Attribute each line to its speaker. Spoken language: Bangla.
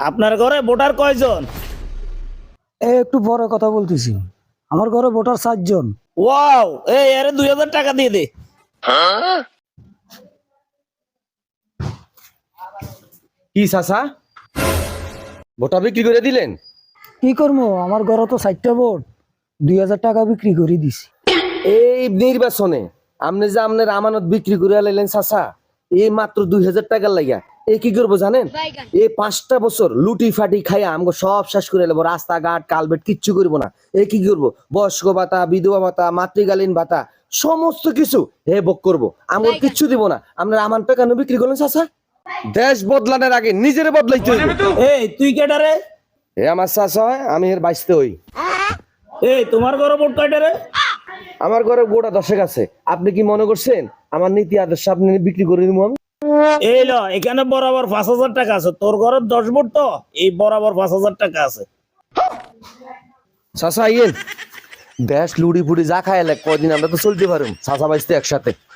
Speaker 1: আপনার ঘরে ভোটার কয়জন?
Speaker 2: একটু বড় কথা বলতেছি, আমার ঘরে ভোটার 7 জন।
Speaker 1: ওয়াও, এই আরে 2000 টাকা দিয়ে দে।
Speaker 3: কি চাচা ভোটা বিক্রি করে দিলেন?
Speaker 2: কি করবো, আমার ঘরে তো 4টা ভোট, 2000 টাকা বিক্রি করে দিছি।
Speaker 3: এই নির্বাচনে আপনি যে আপনার আমানত বিক্রি করে লাইলেন চাচা, এই মাত্র 2000 টাকার লাগিয়া এ কি করবো জানেন? এই 5টা বছর লুটি ফাটি খাইয়া আমাকে সব শেষ করে নেবো, রাস্তাঘাট কালভেট কিচ্ছু করবো না। এ কি করবো, বয়স্ক ভাতা, বিধবা ভাতা, মাতৃকালীন ভাতা সমস্ত কিছু হে ভোগ করবো, আমার কিচ্ছু দিব না। আপনার আমান টাকা বিক্রি করলেন চাচা? দেশ বদলানোর আগে নিজের বদলাইতে হইব।
Speaker 1: এই তুই কেডা রে?
Speaker 3: এ আমার চাচা হয়, আমি এর বাইসতে হই।
Speaker 1: এই তোমার ঘরে ভোট কয়টা রে?
Speaker 3: আমার ঘরে গোটা 10 আছে। আপনি কি মনে করছেন আমার নীতি আদর্শ আপনি বিক্রি করে দিব আমি?
Speaker 1: এই ল, এখানে বরাবর 5000 টাকা আছে। তোর ঘরে 10 ভোট তো এই বরাবর 5000 টাকা আছে।
Speaker 3: চাচা ইয়েন দেশ লুড়ি ফুড়ি যা খাইলে কয়দিন আমরা তো চলতে পারুম চাচা বাইসতে একসাথে।